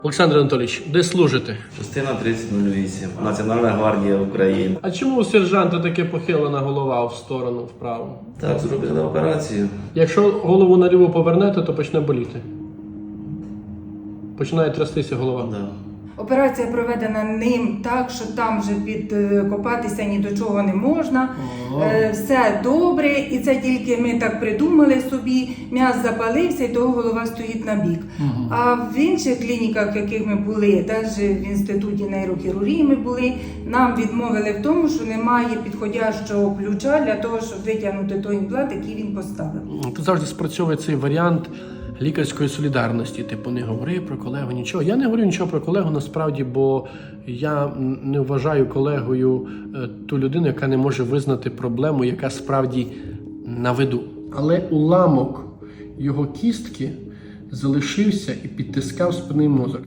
Олександр Анатолійович, де служите? Частина 3008. Національна гвардія України. А чому у сержанта таке похилена голова в сторону, вправо? Так, зробили операцію. Якщо голову наліво повернете, то почне боліти. Починає трястися голова. Да. Операція проведена ним так, що там вже підкопатися ні до чого не можна. Все добре, і це тільки ми так придумали собі, м'яз запалився і того голова стоїть на бік. А в інших клініках, в яких ми були, навіть в інституті нейрохірургії ми були, нам відмовили в тому, що немає підходящого ключа для того, щоб витягнути той імплант, який він поставив. Тут завжди спрацьовує цей варіант лікарської солідарності. Типу, не говори про колегу нічого. Я не говорю нічого про колегу насправді, бо я не вважаю колегою ту людину, яка не може визнати проблему, яка справді на виду. Але уламок його кістки залишився і підтискав спинний мозок.